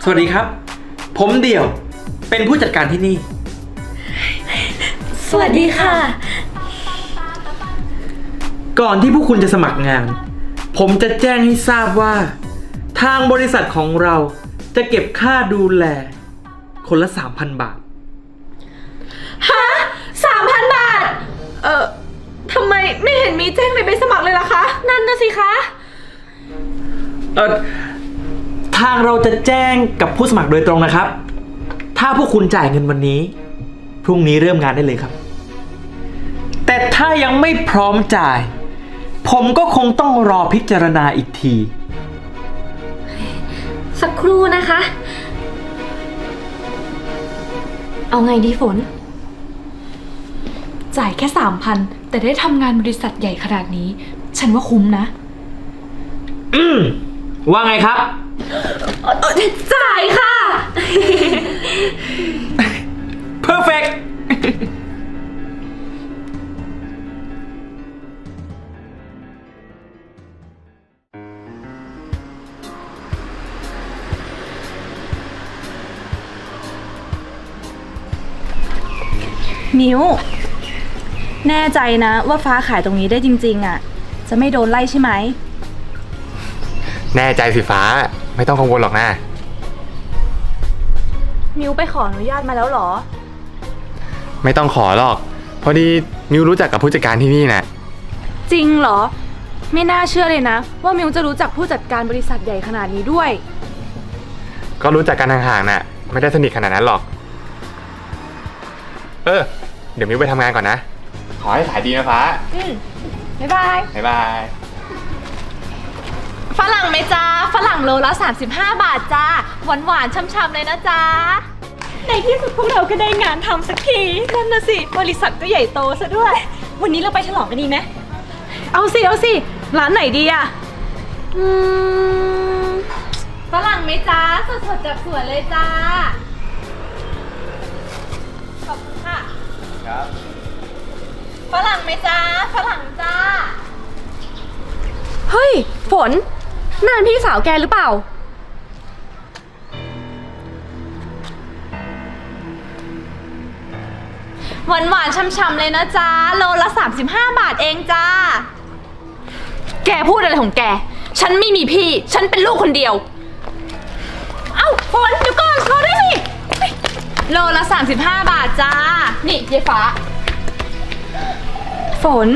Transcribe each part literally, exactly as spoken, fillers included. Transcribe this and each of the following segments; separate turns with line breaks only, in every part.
สวัสดีครับผมเดี่ยวเป็นผู้จัดการที่นี่
สวัสดีค่ะ
ก่อนที่พวกคุณจะสมัครงานผมจะแจ้งให้ทราบว่าทางบริษัทของเราจะเก็บค่าดูแลคนละ สามพัน บาท
ฮะ สามพัน บาทเอ่อทำไมไม่เห็นมีแจ้งในใบสมัครเลยล่ะคะนั่นน่ะสิคะ
เออทางเราจะแจ้งกับผู้สมัครโดยตรงนะครับถ้าพวกคุณจ่ายเงินวันนี้พรุ่งนี้เริ่มงานได้เลยครับแต่ถ้ายังไม่พร้อมจ่ายผมก็คงต้องรอพิจารณาอีกที
สักครู่นะคะเอาไงดีฝนจ่ายแค่สามพันแต่ได้ทำงานบริษัทใหญ่ขนาดนี้ฉันว่าคุ้มนะ
อืมว่าไงครับ
จ่ายค่ะ
perfect
มิวแน่ใจนะว่าฟ้าขายตรงนี้ได้จริงๆอ่ะจะไม่โดนไล่ใช่ไหม
แน่ใจสิฟ้าไม่ต้องกังวลหรอกนะ
มิวไปขออนุญาตมาแล้วหรอ
ไม่ต้องขอหรอกพอดีมิวรู้จักกับผู้จัดการที่นี่นะ
จริงเหรอไม่น่าเชื่อเลยนะว่ามิวจะรู้จักผู้จัดการบริษัทใหญ่ขนาดนี้ด้วย
ก็รู้จักกันห่างๆน่ะไม่ได้สนิทขนาดนั้นหรอกเออเดี๋ยวมิวไปทำงานก่อนนะขอให้ขายดีนะฟ้า
อืมบ๊ายบาย
บ๊ายบาย
ฝรั่งไหมจ้าฝรั่งโลละสามสิบห้าบาทจ้าหวานหวานช่ำๆเลยนะจ้าในที่สุดพวกเราก็ได้งานทำสักทีนั่นนะสิบริษัทก็ใหญ่โตซะด้วยวันนี้เราไปฉลองกันดีไหมเอาสิเอาสิร้านไหนดีอะอืมฝรั่งไหมจ้าสดๆจากสวนเลยจ้าขอบคุณค่ะครับฝรั่งไหมจ้าฝรั่งจ้าเฮ้ยฝนนั่นพี่สาวแกหรือเปล่าหวานหวานช่ำๆเลยนะจ๊ะโลละสามสิบห้าบาทเองจ้าแกพูดอะไรของแกฉันไม่มีพี่ฉันเป็นลูกคนเดียวเอ้าฝนเดี๋ยวก่อนรอได้สิโลละสามสิบห้าบาทจ้านี่ยายฟ้าฝน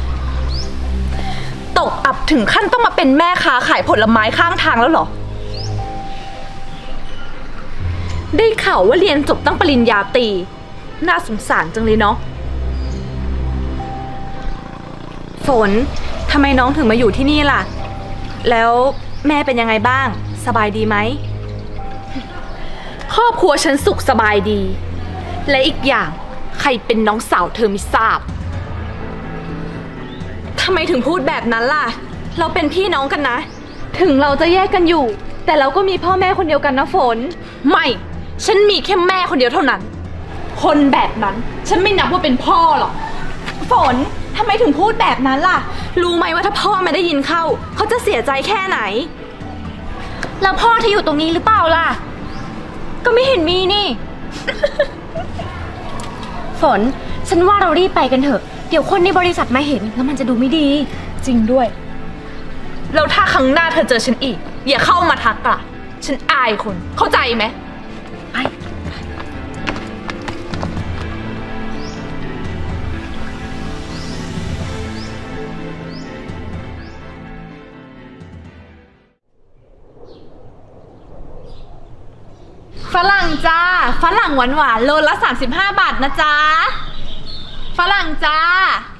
ตกอับถึงขั้นต้องมาเป็นแม่ค้าขายผลไม้ข้างทางแล้วเหรอได้ข่าวว่าเรียนจบตั้งปริญญาตรีน่าสงสารจังเลยเนาะฝนทำไมน้องถึงมาอยู่ที่นี่ล่ะแล้วแม่เป็นยังไงบ้างสบายดีไหมครอบครัวฉันสุขสบายดีและอีกอย่างใครเป็นน้องสาวเธอไม่ทราบทำไมถึงพูดแบบนั้นล่ะเราเป็นพี่น้องกันนะถึงเราจะแยกกันอยู่แต่เราก็มีพ่อแม่คนเดียวกันนะฝนไม่ฉันมีแค่แม่คนเดียวเท่านั้นคนแบบนั้นฉันไม่นับว่าเป็นพ่อหรอกฝนทำไมถึงพูดแบบนั้นล่ะรู้ไหมว่าถ้าพ่อไม่ได้ยินเข้าเขาจะเสียใจแค่ไหนแล้วพ่อที่อยู่ตรงนี้หรือเปล่าล่ะก็ไม่เห็นมีนี่
ฝนฉันว่าเรารีบไปกันเถอะเดี๋ยวคนในบริษัทมาเห็นแล้วมันจะดูไม่ดี
จริงด้วยแล้วถ้าครั้งหน้าเธอเจอฉันอีกอย่าเข้ามาทักล่ะฉันอายคนเข้าใจไหมไปฝรั่งจ้าฝรั่งหวานหวานโลละสามสิบห้าบาทนะจ๊ะฝรั่งจ้า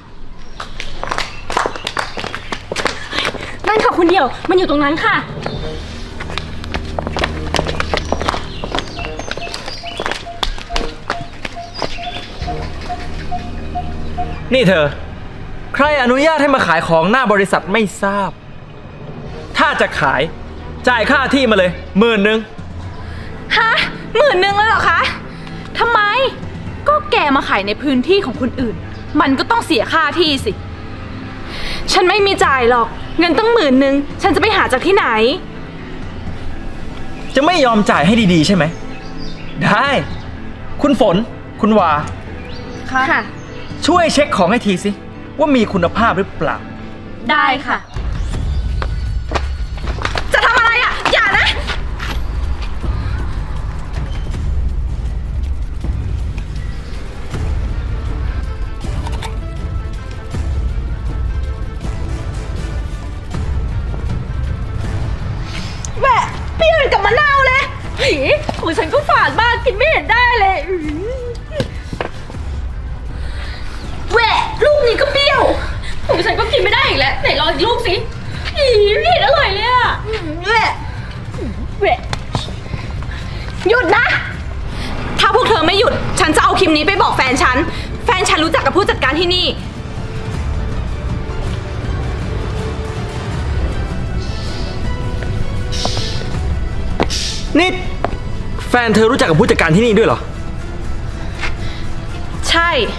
นั่นค่ะคุณเดี่ยวมันอยู่ตรงนั้นค่ะ
นี่เธอใครอนุญาตให้มาขายของหน้าบริษัทไม่ทราบถ้าจะขายจ่ายค่าที่มาเลยหมื่นนึง
ฮะหมื่นนึงเลยเหรอคะทำไมก็แกมาขายในพื้นที่ของคนอื่นมันก็ต้องเสียค่าที่สิฉันไม่มีจ่ายหรอกเงินตั้งหมื่นนึงฉันจะไปหาจากที่ไหน
จะจะไม่ยอมจ่ายให้ดีๆใช่ไหม ได้ คุณฝน คุณวา
ค่ะ
ช่วยเช็คของให้ทีสิ ว่ามีคุณภาพหรือเปล่า
ได้ค่ะ จะทำอะไรอ่ะ อย่านะ แหวะเปรี้ยวกับมะนาวเลยผีของฉันก็ฝาดมากกินไม่เห็นได้เลยอื้อแหวะลูกนี้ก็เปรี้ยวของฉันก็กินไม่ได้อีกแล้วไหนลองอีกลูกสิผีไม่เห็นอร่อยเลยอะแหวะแหวะหยุดนะ ถ้าพวกเธอไม่หยุด ฉันจะเอาคลิปนี้ไปบอกแฟนฉัน แฟนฉันรู้จักกับผู้จัดการที่นี่
นี่แฟนเธอรู้จักกับผู้จัดการที่นี่ด้วยเหรอ
ใช่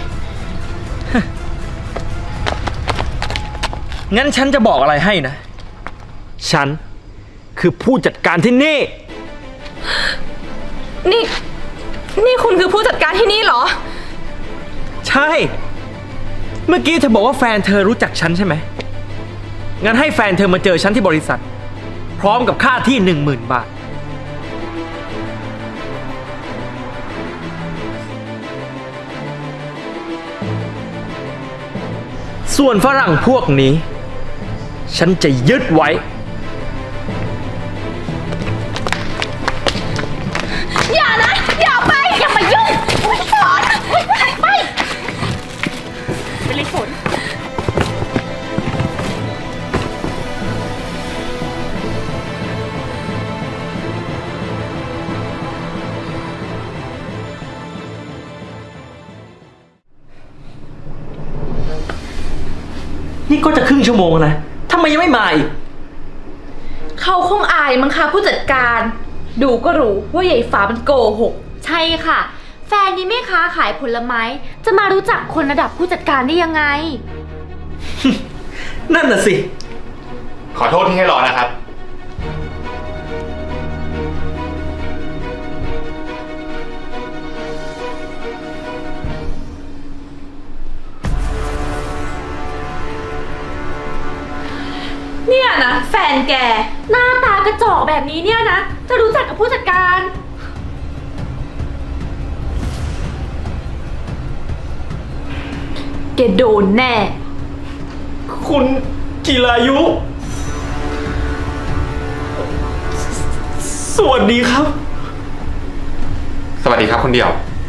งั้นฉันจะบอกอะไรให้นะ ฉันคือผู้จัดการที่นี่
นี่ นี่คุณคือผู้จัดการที่นี่เหรอ
ใช่ เมื่อกี้เธอบอกว่าแฟนเธอรู้จักฉันใช่ไหม งั้นให้แฟนเธอมาเจอฉันที่บริษัท พร้อมกับค่าที่หนึ่งหมื่นบาท ส่วนฝรั่งพวกนี้ ฉันจะยึดไว้
อย่านะ อย่าไป อย่ามายุ่งฝนไปไปเลยฝน
นี่ก็จะครึ่งชั่วโมงแล้วนะทำไมยังไม่มาอีก
เขาคงอายมั้งคะผู้จัดการ ดูก็รู้ว่าใหญ่ฟ้ามันโกหก
ใช่ค่ะ แฟนนี่แม่ค้าขายผลไม้ จะมารู้จักคนระดับผู้จัดการได้ยังไง
นั่นน่ะสิ
ขอโทษที่ให้รอนะครับ
เนี่ยนะแฟนแก
หน้าตากระจอกแบบนี้เนี่ยนะ จะรู้จักกับผู้จัดการ
แกโดนแน่
คุณจิรายุ สวัสดีครับ
สวัสดีครับคุณเดี่ยว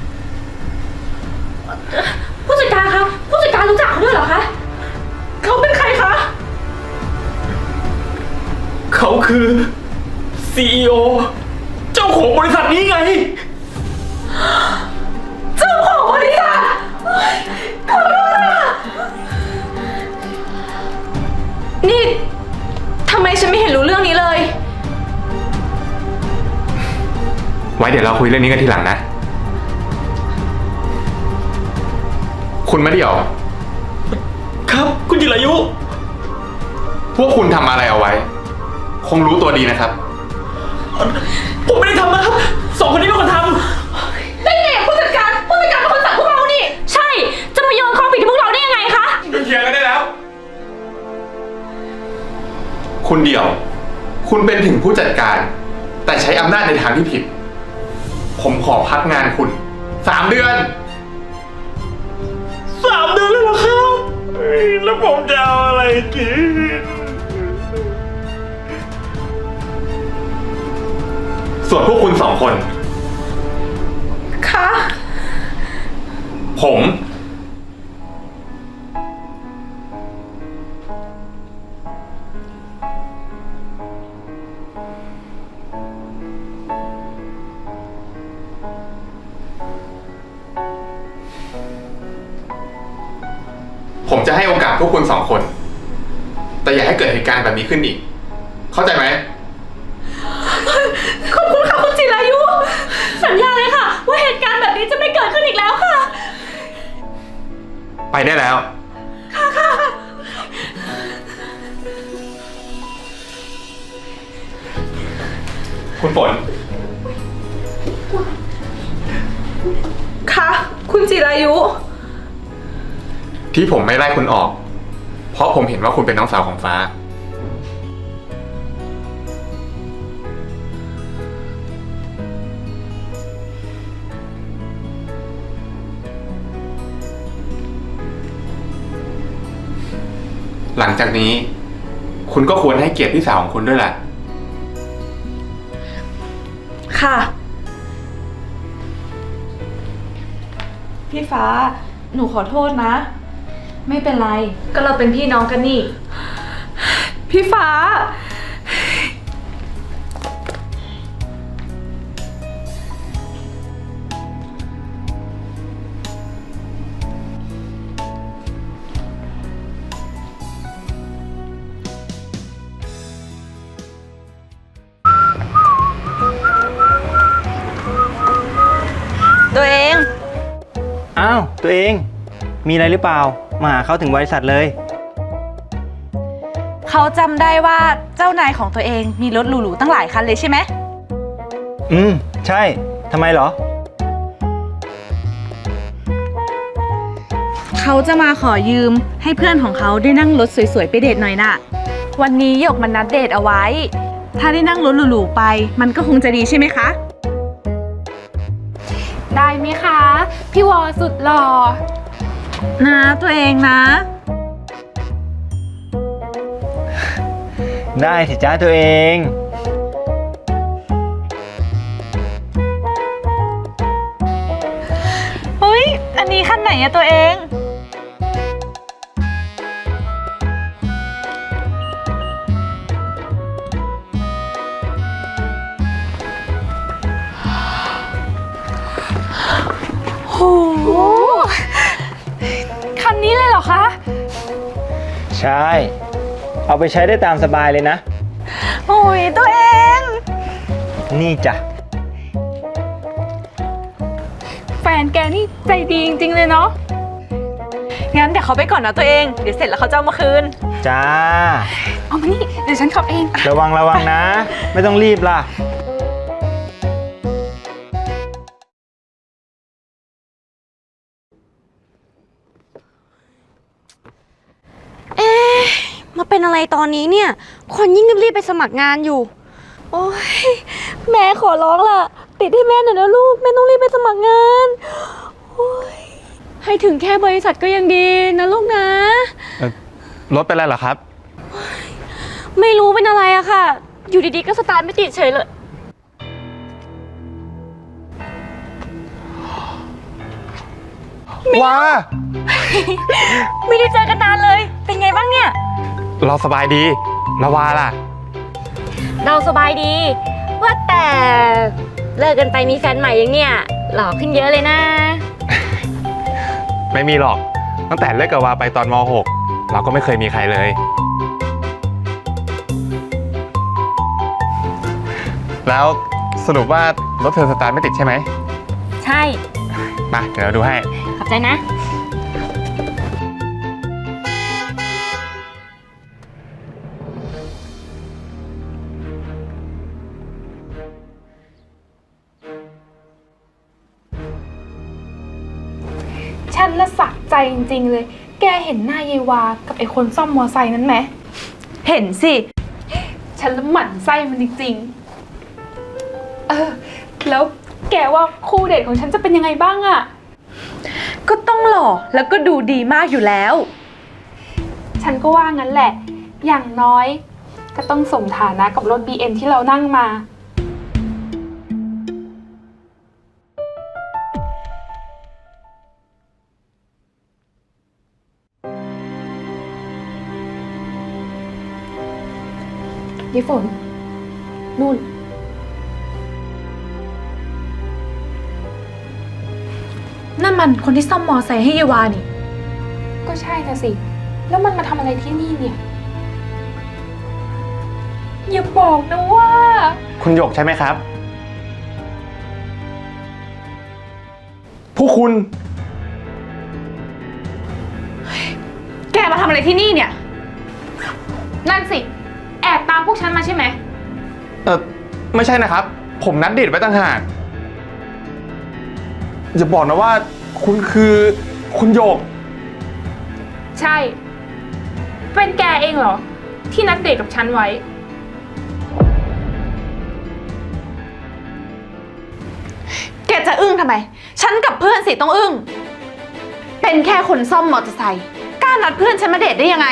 ผู้จัดการคะผู้จัดการรู้จักเขาด้วยเหรอคะ
เขาเป็นใครคะ
เขาคือ ซี อี โอ เจ้าของบริษัทนี้ไง
เจ้าของบริษัทขอโทษอะนี่ทำไมฉันไม่เห็นรู้เรื่องนี้เลย
ไว้เดี๋ยวเราคุยเรื่องนี้กันทีหลังนะ คุณมะเดี่ยว
ครับ คุณจิรายุ
พวกคุณทำอะไรเอาไว้ คงรู้ตัวดีนะครับ
ผมไม่ได้ทำนะครับ สองคนนี้เป็นคนท
ได้ไงอะผู้จัดการ ผู้จัดการเป็นคนสั่งพวกเรานี่
ใช่ จะมาโยนความผิดให้พวกเราได้ยังไงคะ
หยุดเถียงกันได้แล้ว คุณเดี่ยว คุณเป็นถึงผู้จัดการ แต่ใช้อำนาจในทางที่ผิด ผมขอพักงานคุณสามเดือน
ำสามเดือนเลยเหรอครับเฮ้ยแล้วผมจะเอาอะไรกิน
ส่วนพวกคุณสองคน
คะ
ผม ผมจะให้โอกาสพวกคุณสองคน แต่อย่าให้เกิดเหตุการณ์แบบนี้ขึ้นอีก เข้าใจไหม
ขอบคุณค่ะคุณจิรายุ สัญญาเลยค่ะ ว่าเหตุการณ์แบบนี้จะไม่เกิดขึ้นอีกแล้วค่ะ
ไปได้แล้ว คุณฝน
คะคุณจิรายุ
ที่ผมไม่ไล่คุณออก เพราะผมเห็นว่าคุณเป็นน้องสาวของฟ้า หลังจากนี้ คุณก็ควรให้เกียรติพี่สาวของคุณด้วยแหละ
ค่ะ พี่ฟ้า หนูขอโทษนะ ไม่เป็นไร ก็เราเป็นพี่น้องกันนี่ พี่ฟ้า ตัวเอง
อ้าวตัวเองมีอะไรหรือเปล่ามาหาเขาถึงบริษัทเลย
เขาจำได้ว่าเจ้านายของตัวเองมีรถหรูๆตั้งหลายคันเลยใช่ไหม
อืมใช่ทำไมเหรอ
เขาจะมาขอยืมให้เพื่อนของเขาได้นั่งรถสวยๆไปเดทหน่อยน่ะ วันนี้หยกมันนัดเดทเอาไว้ ถ้าได้นั่งรถหรูๆไป มันก็คงจะดีใช่ไหมคะ
ได้ไหมคะ พี่วอสุดหล่อ
นะตัวเองนะ
ได้สิจ้าตัวเอง
เฮ้ย อันนี้ขั้นไหนอะตัวเอง โห
คันนี้เลยเหรอคะ
ใช่ เอาไปใช้ได้ตามสบายเลยนะ
โอ้ยตัวเอง
นี่จ้ะ
แฟนแกนี่ใจดีจริงๆเลยเนาะ
งั้นเดี๋ยวเขาไปก่อนนะตัวเอง เดี๋ยวเสร็จแล้วเขาจะเอามาคืน
จ้า
เอามานี่ เดี๋ยวฉันขับเอง
ระวังระวังนะ ไม่ต้องรีบล่ะ
เอ๊ะมาเป็นอะไรตอนนี้เนี่ย คนยิ่งรีบๆไปสมัครงานอยู่ โอ้ยแม่ขอร้องล่ะ ติดให้แม่หน่อยนะลูก แม่ต้องรีบไปสมัครงานโอ้ยให้ถึงแค่บริษัทก็ยังดีนะลูกนะ
รถเป็นไรเหรอครับ
ไม่รู้เป็นอะไรอะค่ะ อยู่ดีๆก็สตาร์ทไม่ติดเฉยเลย
ว้า
ไม่ได้เจอกันนานเลย เป็นไงบ้างเนี่ย
เราสบายดีละวาล่ะ
เราสบายดี ว่าแต่เลิกกันไปมีแฟนใหม่ยังเนี่ยหล่อขึ้นเยอะเลยนะ
ไม่มีหรอก ตั้งแต่เลิกกับวาไปตอนม หก เราก็ไม่เคยมีใครเลย แล้วสรุปว่ารถเธอสตาร์ทไม่ติดใช่ไหม
ใช่
มาเดี๋ยวเราดูให้
ขอบใจนะ
ฉันละสักใจจริงๆเลย แกเห็นหน้ายายวากับไอ้คนซ่อมมอไซค์นั้นไหม
เห็นสิ
ฉันละหมั่นไส้มันจริงๆ เออ แล้วแกว่าคู่เดทของฉันจะเป็นยังไงบ้างอะ
ก็ต้องหล่อแล้วก็ดูดีมากอยู่แล้ว
ฉันก็ว่างั้นแหละ อย่างน้อยก็ต้องสมฐานะกับรถ บี เอ็ม ที่เรานั่งมา ยี่ฝน นู่น
นั่นมันคนที่ซ่อมมอไซค์ให้เยวานี่
ก็ใช่นะสิ แล้วมันมาทำอะไรที่นี่เนี่ย อย่าบอกนะว่า
คุณหยกใช่ไหมครับ ผู้คุณ
แกมาทำอะไรที่นี่เนี่ย นั่นสิ แอบตามพวกฉันมาใช่ไหม
เออไม่ใช่นะครับ ผมนัดเดทไว้ต่างหากอย่าบอกนะว่าคุณคือคุณโยก
ใช่ เป็นแกเองเหรอ ที่นัดเดทกับฉันไว้
แกจะอึ้งทำไม ฉันกับเพื่อนสิต้องอึ้ง เป็นแค่คนซ่อมมอเตอร์ไซค์กล้านัดเพื่อนฉันมาเดทได้ยังไง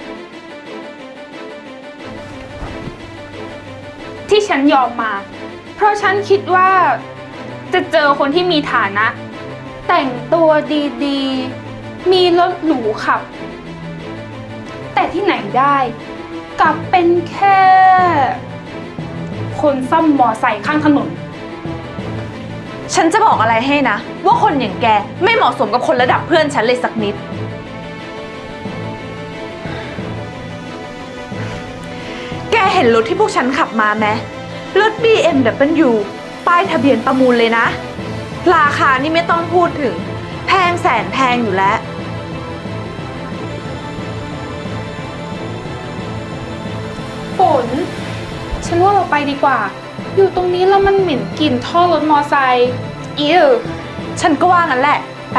ที่ฉันยอมมา เพราะฉันคิดว่าจะเจอคนที่มีฐานะ แต่งตัวดีๆ มีรถหรูขับ แต่ที่ไหนได้กลับเป็นแค่ คนซ่อมมอไซค์ข้างถนน
ฉันจะบอกอะไรให้นะ ว่าคนอย่างแกไม่เหมาะสมกับคนระดับเพื่อนฉันเลยสักนิด แกเห็นรถที่พวกฉันขับมาไหมรถ บี เอ็ม ดับเบิลยู ป้ายทะเบียนประมูลเลยนะ ราคานี่ไม่ต้องพูดถึง แพงแสนแพงอยู่แล้ว
ฝน ฉันว่าเราไปดีกว่า อยู่ตรงนี้แล้วมันเหม็นกลิ่นท่อรถมอไซค์อิว
ฉันก็ว่างั้นแหละ ไป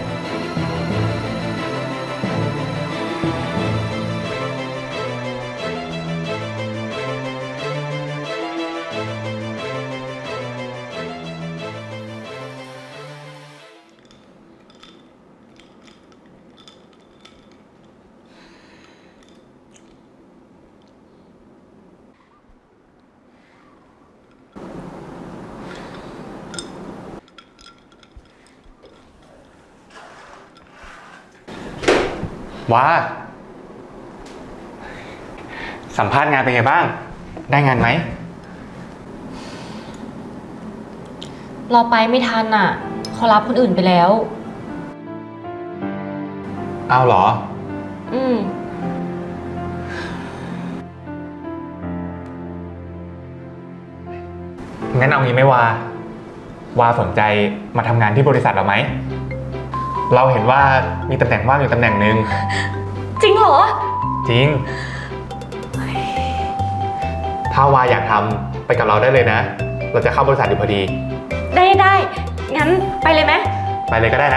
ว้า สัมภาษณ์งานเป็นไงบ้าง ได้งานไหม
เราไปไม่ทันอ่ะเขารับคนอื่นไปแล้ว
เอาเหรอ
อืม
งั้นเอางี้ไหมวา วาสนใจมาทำงานที่บริษัทเราไหม เราเห็นว่ามีตำแหน่งว่างอยู่ตำแหน่งหนึ่ง
จริงเหรอ
จริง ถ้าวาอยากทำไปกับเราได้เลยนะ เราจะเข้าบริษัทอยู่พอดี
ได้ได้ งั้นไปเลยไหม
ไปเลยก็ได้นะ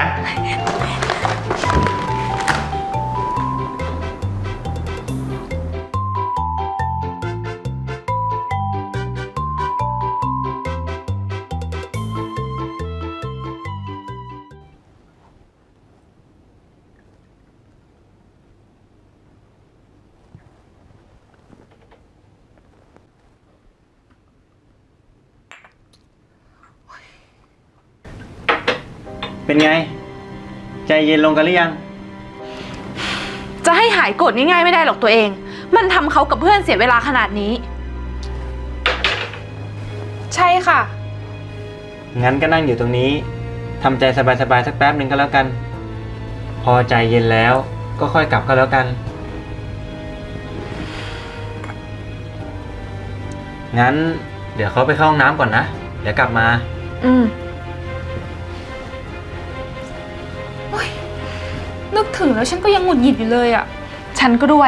เป็นไง ใจเย็นลงกันหรือยัง
จะให้หายโกรธง่ายๆไม่ได้หรอกตัวเอง มันทำเขากับเพื่อนเสียเวลาขนาดนี้
ใช่ค่ะ
งั้นก็นั่งอยู่ตรงนี้ทำใจสบายๆสักแป๊บหนึ่งก็แล้วกัน พอใจเย็นแล้วก็ค่อยกลับก็แล้วกัน งั้นเดี๋ยวเขาไปเข้าห้องน้ำก่อนนะ เดี๋ยวกลับมา
อืม
นึกถึงแล้วฉันก็ยังหงุดหงิดอยู่เลยอ่ะ
ฉันก็ด้วย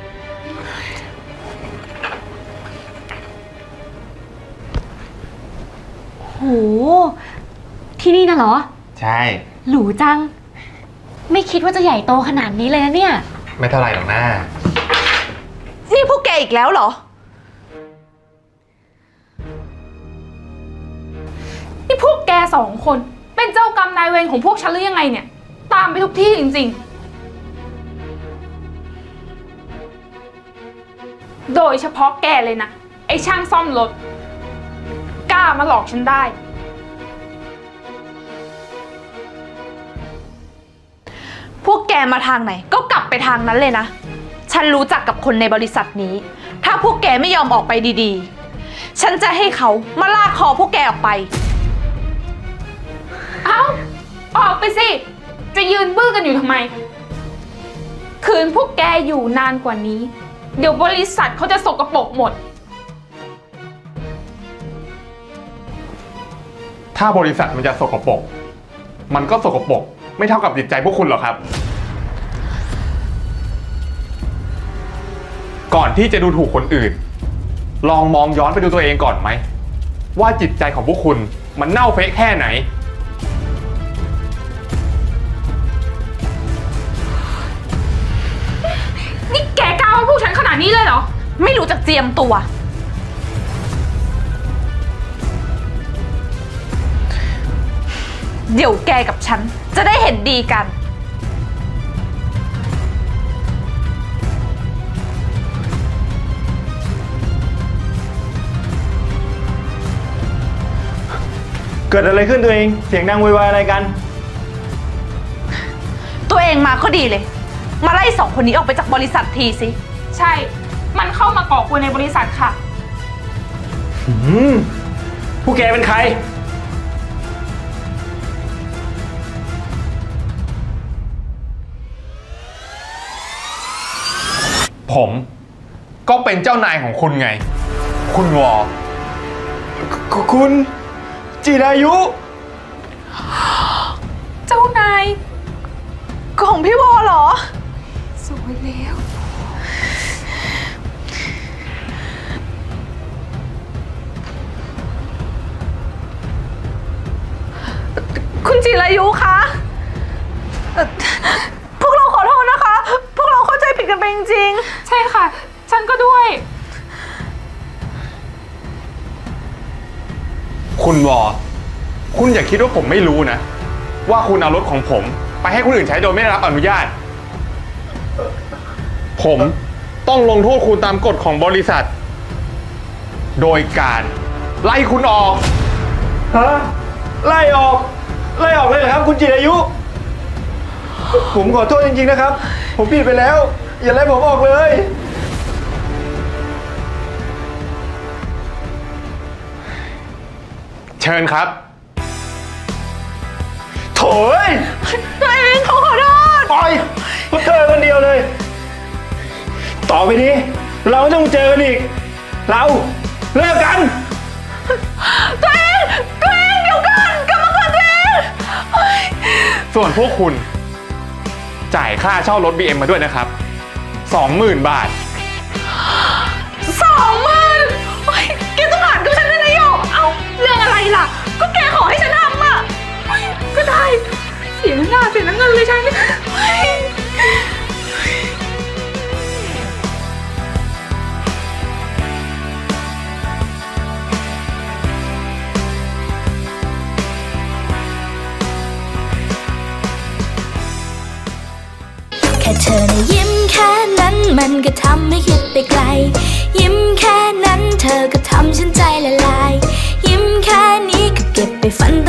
โห ที่นี่น่ะเหรอ
ใช่
หรูจัง ไม่คิดว่าจะใหญ่โตขนาดนี้เลยนะเนี่ย
ไม่เท่าไหร่หรอกนะ
นี่พวกแกอีกแล้วเหรอ
นี่พวกแกสองคน เป็นเจ้ากรรมนายเวรของพวกฉันหรือยังไงเนี่ย ตามไปทุกที่จริงๆ โดยเฉพาะแกเลยนะ ไอ้ช่างซ่อมรถ กล้ามาหลอกฉันได้
พวกแกมาทางไหนก็กลับไปทางนั้นเลยนะ ฉันรู้จักกับคนในบริษัทนี้ ถ้าพวกแกไม่ยอมออกไปดีๆ ฉันจะให้เขามาลากคอพวกแกออกไป
เอ้า ออกไปสิ จะยืนบื้อกันอยู่ทำไม คืนพวกแกอยู่นานกว่านี้ เดี๋ยวบริษัทเขาจะสกปรกหมด
ถ้าบริษัทมันจะสกปรก มันก็สกปรกไม่เท่ากับจิตใจพวกคุณหรอกครับ ก่อนที่จะดูถูกคนอื่น ลองมองย้อนไปดูตัวเองก่อนไหม ว่าจิตใจของพวกคุณมันเน่าเฟะแค่ไหน
ว่าพวกฉันขนาดนี้เลยเหรอ
ไม่รู้จักเจียมตัว เดี๋ยวแกกับฉันจะได้เห็นดีกัน
เกิดอะไรขึ้นตัวเอง เสียงดังโวยวายอะไรกัน
ตัวเองมาก็ดีเลย มาไล่สองคนนี้ออกไปจากบริษัททีสิ
ใช่ มันเข้ามาก่อกวนในบริษัทค่ะ
อืมผู้แกเป็นใคร
ผมก็เป็นเจ้านายของคุณไง คุณวอ
คุณจิรายุ
เจ้านายของพี่วอเหรอ
สวยแล้ว
คุณจิรายุคะเอ่อพวกเราขอโทษนะคะ พวกเราเข้าใจผิดกันไปจริง
ใช่ค่ะ ฉันก็ด้วย
คุณวอ คุณอย่าคิดว่าผมไม่รู้นะ ว่าคุณเอารถของผมไปให้คนอื่นใช้โดยไม่ได้รับอนุญาต ผมต้องลงโทษคุณตามกฎของบริษัท โดยการไล่คุณออก
ฮะ ไล่ออก ไล่ออกเลยเหรอครับ คุณจิรายุ ผมขอโทษจริงๆนะครับ ผมผิดไปแล้ว อย่าไล่ผมออกเลย
เชิญครับ
โถ่เอ้ย
ๆ ตัวเองเขาขอโทษ
ปล่อยพวกเธอคนเดียวเลย ต่อไปนี้ เราไม่ต้องเจอกันอีก เราเลิกกัน
ตัวเองตัวเองเดี๋ยวก่อนกลับมาก่อนตัวเองเฮ้ย
ส่วนพวกคุณจ่ายค่าเช่ารถ บี เอ็ม มาด้วยนะครับ สองหมื่น บาท
สองหมื่นโอ๊ยแกต้องหารกับฉันด้วยนะโยกเอาเรื่องอะไรล่ะ ก็แกขอให้ฉันทำอ่ะ
ก็ได้ เสียหน้าเสียน้ำเงินเลยฉัน
เฮ้ย
แค่เธอนะยิ้มแค่นั้นมันก็ทำให้คิดไปไกล ยิ้มแค่นั้นเธอก็ทำฉันใจละลา